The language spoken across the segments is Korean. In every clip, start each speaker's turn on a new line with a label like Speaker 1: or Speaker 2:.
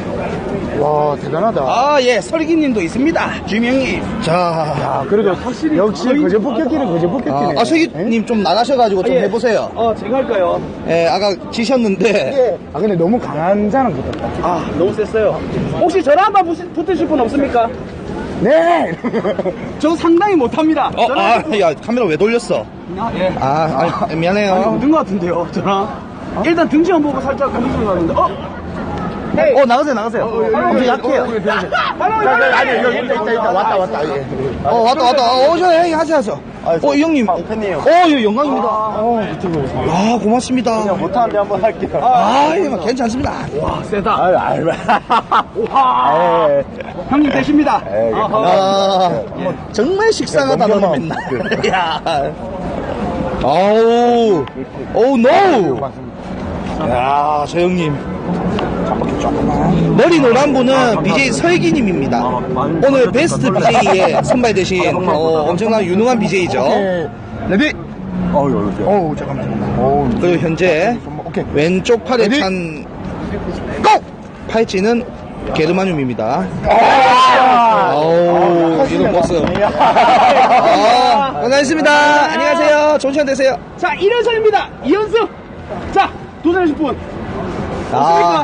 Speaker 1: 와, 대단하다.
Speaker 2: 아, 예, 설기님도 있습니다. 주명님. 자,
Speaker 1: 야, 그래도 확실히 역시 거저 폭격기는 거저 폭격기네.
Speaker 2: 설기님 좀 나가셔가지고 좀 해보세요.
Speaker 3: 제가 할까요?
Speaker 2: 예, 아까 지셨는데.
Speaker 1: 아, 근데 너무 강한 자는 붙었다.
Speaker 3: 아, 너무 셌어요. 혹시 저랑 한번 붙으실 분 없습니까?
Speaker 1: 네!
Speaker 3: 저 상당히 못합니다.
Speaker 2: 야, 카메라 왜 돌렸어?
Speaker 3: 예.
Speaker 2: 미안해요.
Speaker 3: 아니, 없는 것 같은데요, 저랑. 일단 등치만 보고 살짝 감정이 가는데,
Speaker 2: 나가세요. 엄청 약해요.
Speaker 1: 아니, 여기 있다. 왔다. 예.
Speaker 2: 왔다. 저 하세요. 이 형님.
Speaker 1: 팬이에요.
Speaker 2: 예, 영광입니다.
Speaker 1: 유튜브 오세요.
Speaker 2: 아, 고맙습니다.
Speaker 1: 못하는데 한번 할게요.
Speaker 2: 예, 괜찮습니다.
Speaker 3: 와, 세다.
Speaker 1: 와.
Speaker 3: 형님 되십니다.
Speaker 2: 정말 식상하다, 너는 맨날. 야. 노! 야, 저 형님. 머리 노란 분은 BJ 설기님입니다. 오늘 베스트 BJ에 선발되신 엄청난 유능한 BJ죠.
Speaker 1: 레디! 잠깐만.
Speaker 2: 그리고 현재
Speaker 1: 오케이.
Speaker 2: 왼쪽 팔에
Speaker 1: 레디?
Speaker 2: 찬 고! 팔찌는 게르마늄입니다. 이거 보스. 고생하셨습니다. 안녕하세요. 좋은 시간 되세요.
Speaker 3: 자, 1연승입니다. 2연승. 자, 도전하실 분. 없습니까?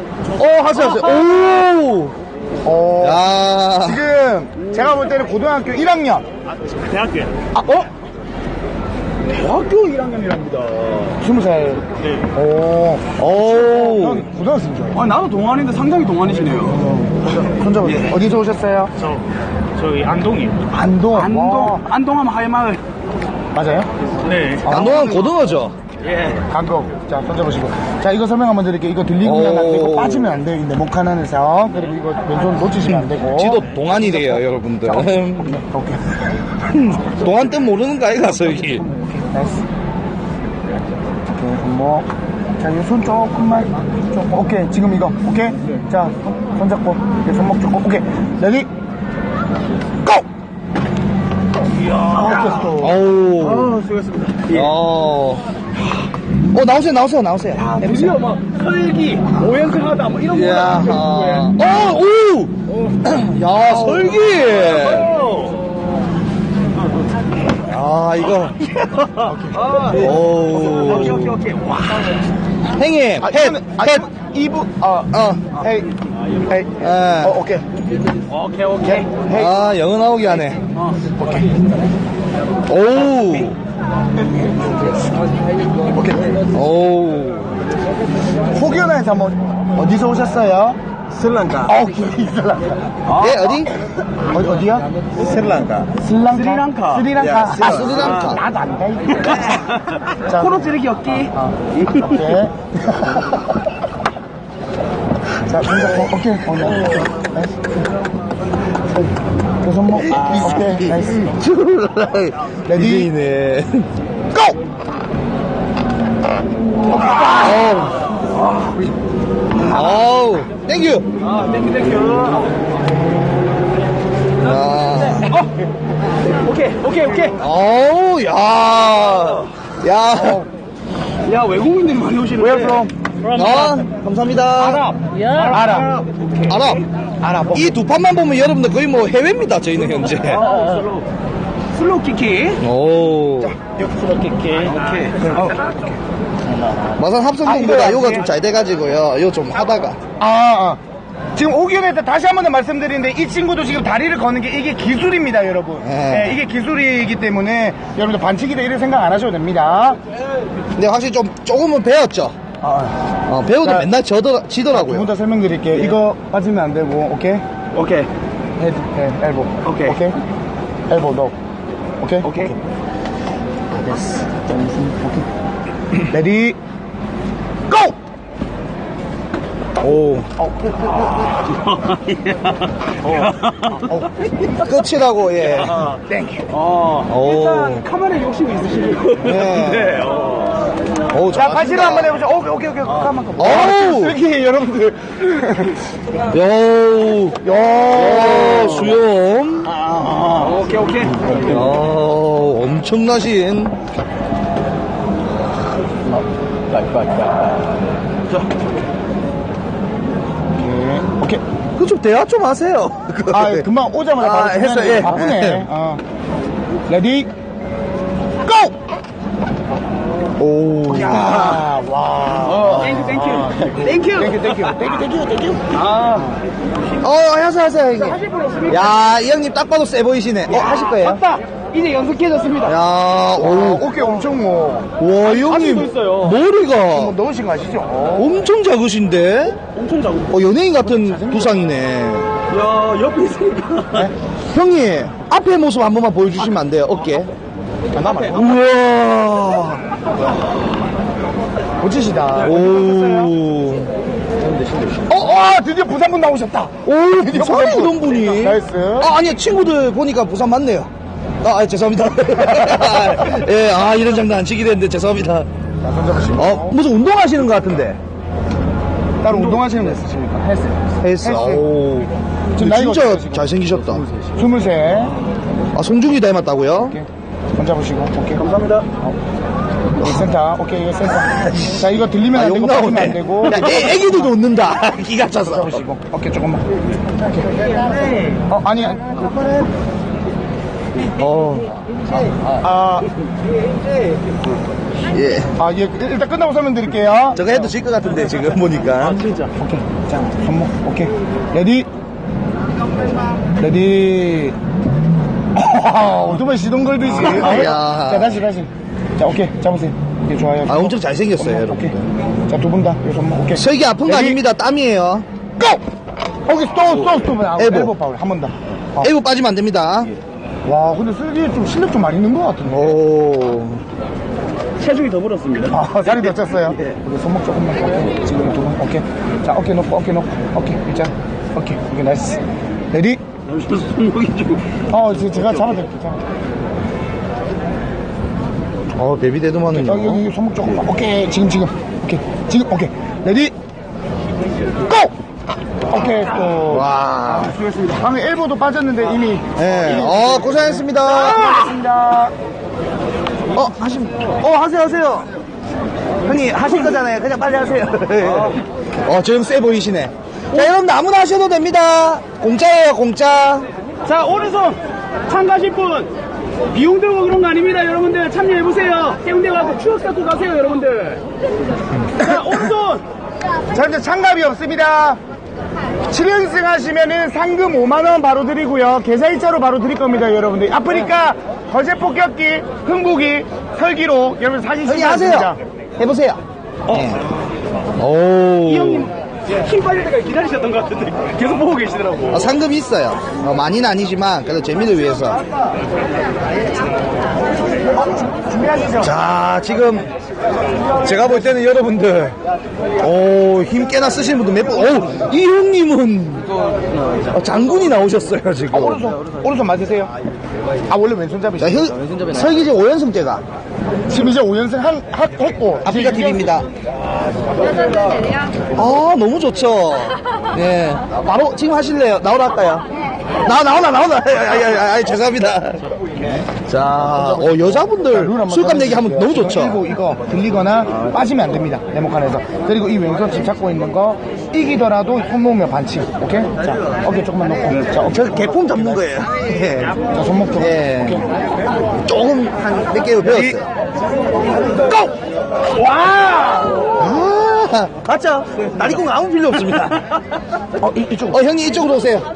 Speaker 2: 하세요. 야.
Speaker 1: 지금 제가 볼 때는 고등학교 1학년.
Speaker 3: 대학교에.
Speaker 1: 대학교 1학년이랍니다. 20살.
Speaker 3: 네.
Speaker 1: 형 고등학생이죠?
Speaker 3: 나도 동안인데 상당히 동안이시네요.
Speaker 1: 손잡아. 어디서 오셨어요?
Speaker 3: 저희 안동이요.
Speaker 1: 안동.
Speaker 3: 안동하면 하회마을.
Speaker 1: 맞아요?
Speaker 3: 네.
Speaker 2: 안동은 고등어죠.
Speaker 3: 예.
Speaker 1: 강동. 자, 손잡으시고. 자, 이거 설명 한번 드릴게요. 이거 들리면 안 되고, 빠지면 안 돼요. 이 네모칸 안에서. 그리고 이거 왼손 놓치시면 안 되고.
Speaker 2: 지도 동안이래요, 여러분들.
Speaker 1: 오케이.
Speaker 2: 동안 뜻 모르는 거 아이가, 설기.
Speaker 1: 나이스. 오케이, 손목. 자, 이 손 조금만. 오케이, 지금 이거. 오케이? 자, 손 잡고. 손목 잡고. 오케이. 레디. 고! 이야,
Speaker 3: 수고했습니다.
Speaker 2: 나오세요.
Speaker 3: 드디어 막 설기, 5연승 하다, 뭐 이런
Speaker 2: 야, 야, 설기. 이거.
Speaker 3: 오케이. 와.
Speaker 2: 행님, 햇.
Speaker 1: 2부, 헤이. 오케이.
Speaker 2: 오케이. 영어 나오게 하네.
Speaker 1: 혹여나해서 한번, 어디서 오셨어요? 스리랑카. 오케이, 스리랑카.
Speaker 2: 어디?
Speaker 1: 어디야? 스리랑카. 스리랑카.
Speaker 2: 스리랑카.
Speaker 1: 나도 안 가, 이거. 자,
Speaker 3: 코로 찌르기 없기.
Speaker 1: 오케이. 자, 손잡고, 오케이. 나이스. 그 손목, 오케이. 나이스. 레디.
Speaker 2: 네.
Speaker 1: 고!
Speaker 2: 땡큐.
Speaker 3: 땡큐. 오케이. 야, 외국인들이 많이 오시는데.
Speaker 1: Where from?
Speaker 2: 감사합니다. 아랍. 이 두 판만 보면 여러분들 거의 뭐 해외입니다, 저희는 현재.
Speaker 3: 슬로우 키키.
Speaker 1: 슬로우 키키.
Speaker 3: 오케이.
Speaker 2: 마산 합성동보다 요가 좀 잘 돼가지고요. 요 좀 하다가.
Speaker 1: 지금 오기현에 다시 한 번 더 말씀드리는데 이 친구도 지금 다리를 거는 게 이게 기술입니다, 여러분. 네, 이게 기술이기 때문에 여러분들 반칙이다 이런 생각 안 하셔도 됩니다.
Speaker 2: 근데 확실히 조금은 배웠죠. 배우도
Speaker 1: 자,
Speaker 2: 맨날 지더라고요.
Speaker 1: 두 분 다 설명드릴게요. 이거 빠지면 안 되고, 오케이? 헤드, 엘보.
Speaker 3: 오케이.
Speaker 1: 엘보, 너. 오케이? 됐어. 오케이. 레디, 고!
Speaker 2: 끝이라고, 예.
Speaker 1: 땡큐.
Speaker 3: 일단 카메라에 욕심이 있으시네요.
Speaker 2: 네.
Speaker 1: 자, 바지로 한번 해보죠. 오케이. 가만.
Speaker 2: 슬기, 여러분들. 수염.
Speaker 3: 오케이.
Speaker 2: 엄청나신. 그 좀 대화 좀 하세요.
Speaker 1: 아, 금방 오자마자 바로
Speaker 2: 했어요.
Speaker 1: 중간에
Speaker 2: 예.
Speaker 1: 바쁘네. 레디, 고!
Speaker 2: 오.
Speaker 1: 야, 와.
Speaker 3: 땡큐.
Speaker 2: 하세요, 형님. 야, 이 형님 딱 봐도 세 보이시네. 하실 거예요?
Speaker 3: 맞다. 이제 연습해졌습니다.
Speaker 2: 야,
Speaker 1: 오, 어깨 엄청 뭐,
Speaker 2: 와, 이
Speaker 3: 아직도
Speaker 2: 형님.
Speaker 3: 있어요.
Speaker 2: 머리가
Speaker 1: 뭐 넣으신 거 아시죠?
Speaker 2: 엄청 작으신데?
Speaker 3: 엄청 작고.
Speaker 2: 연예인 같은 두상이네.
Speaker 3: 야, 옆에 있으니까.
Speaker 2: 형님, 앞에 모습 한 번만 보여주시면 안 돼요? 어깨.
Speaker 1: 남아요.
Speaker 2: 우와.
Speaker 1: 멋지시다.
Speaker 2: 오.
Speaker 1: 드디어 부산분 나오셨다.
Speaker 2: 오, 부산에 이런 분이.
Speaker 1: 나이스.
Speaker 2: 아니요, 친구들 보니까 부산 맞네요. 죄송합니다. 예, 이런 장난 안 치기로 했는데 죄송합니다.
Speaker 1: 자, 손잡으시고.
Speaker 2: 무슨 운동하시는 것 같은데.
Speaker 1: 따로 운동하시는 분 있으십니까? 헬스.
Speaker 2: 오.
Speaker 1: 지금 나이가
Speaker 2: 진짜
Speaker 1: 어떻게 되시고?
Speaker 2: 잘생기셨다.
Speaker 1: 23.
Speaker 2: 송중기 닮았다고요?
Speaker 1: 오케이. 손잡으시고. 오케이.
Speaker 3: 감사합니다.
Speaker 1: 센터. 오케이, 이거 센터. 자, 이거 들리면 안 되고,
Speaker 2: 욕
Speaker 1: 빠지면 안
Speaker 2: 나오네.
Speaker 1: 되고.
Speaker 2: 야, 애기들도 웃는다. 기가 차서.
Speaker 1: 잡으시고. 오케이, 조금만. 아니.
Speaker 2: 예.
Speaker 1: 예, 일단 끝나고 설명드릴게요.
Speaker 2: 저거 해도 질 것 같은데, 지금 보니까.
Speaker 3: 진짜.
Speaker 1: 오케이. 자, 손목. 오케이. 레디. 오토바이 시동 걸듯이.
Speaker 2: 야.
Speaker 1: 자, 다시. 자, 오케이. 잡으세요. 오케이, 좋아요.
Speaker 2: 엄청 잘생겼어요, 여러분.
Speaker 1: 오케이. 자, 두 분 다. 요 손목. 오케이.
Speaker 2: 설기 아픈 거
Speaker 1: 레디.
Speaker 2: 아닙니다. 땀이에요.
Speaker 1: 고! 오케이, 스톱. 엘보 파울. 한 번 더.
Speaker 2: 에이브 빠지면 안 됩니다.
Speaker 1: 와, 근데 슬기 좀 실력 좀 많이 있는 것 같은데.
Speaker 2: 오.
Speaker 3: 체중이 더 불었습니다.
Speaker 1: 살이 더 쪘어요. 우리 손목 조금만. 오케이. 지금 두 분. 오케이. 자, 어깨 놓고. 오케이. 일자. 오케이, 나이스. 레디.
Speaker 3: 손목이 좀.
Speaker 1: 제가 잡아드릴게요.
Speaker 2: 베비 데드만은요.
Speaker 1: 여기 손목 조금만. 오케이. 지금. 오케이. 레디. 고! 오케이, 또.
Speaker 2: 와.
Speaker 1: 수고했습니다. 방금 엘보도 빠졌는데 이미.
Speaker 2: 예. 고생했습니다.
Speaker 1: 고맙습니다.
Speaker 2: 하세요. 형님, 하실 거잖아요. 그냥 빨리 하세요. 지금 세 보이시네. 자, 여러분, 아무나 하셔도 됩니다. 공짜예요, 공짜.
Speaker 3: 자, 오른손 참가하실 분 비용 들고 그런 거 아닙니다. 여러분들 참여해보세요. 해운대 가서 추억 쌓고 가세요, 여러분들. 자, 오른손.
Speaker 1: 자, 이제 장갑이 없습니다. 7연승 하시면은 상금 5만원 바로 드리고요. 계좌이체로 바로 드릴 겁니다, 여러분들. 아프리카 거제 폭격기, 흥국이, 설기로 여러분 사진
Speaker 2: 형님,
Speaker 1: 찍으셨습니다.
Speaker 2: 하세요. 해보세요.
Speaker 3: 이 형님 힘 빠질 때까지 기다리셨던 것 같은데 계속 보고 계시더라고.
Speaker 2: 상금이 있어요. 많이는 아니지만, 그래도 재미를 위해서.
Speaker 1: 준비하시죠.
Speaker 2: 자, 지금, 제가 볼 때는 여러분들, 힘 꽤나 쓰시는 분들 몇 분, 이 형님은, 장군이 나오셨어요, 지금.
Speaker 1: 오른손 맞으세요. 원래 왼손
Speaker 2: 자,
Speaker 1: 잡이시죠.
Speaker 2: 설기 이제 5연승 때가.
Speaker 1: 지금 이제 5연승 했고.
Speaker 2: 아프리카 TV입니다. 너무 좋죠. 예. 바로 지금 하실래요? 나오라 할까요? 나오나. 죄송합니다. 자, 여자분들 술값 내기 하면 너무 좋죠.
Speaker 1: 그리고 이거 들리거나 빠지면 안 됩니다. 네모칸에서. 그리고 이 왼손 지금 잡고 있는 거 이기더라도 손 놓으면 반칙. 오케이? 자, 어깨 조금만 놓고. 자,
Speaker 2: 저 개폼 잡는 거예요. 예.
Speaker 1: 자, 손목 조금.
Speaker 2: 예.
Speaker 1: 오케이.
Speaker 2: 조금 한 몇 개월 배웠어요.
Speaker 1: 고! 와!
Speaker 2: 맞죠? 다리공 아무 필요 없습니다.
Speaker 1: 이쪽.
Speaker 2: 형님 이쪽으로 오세요.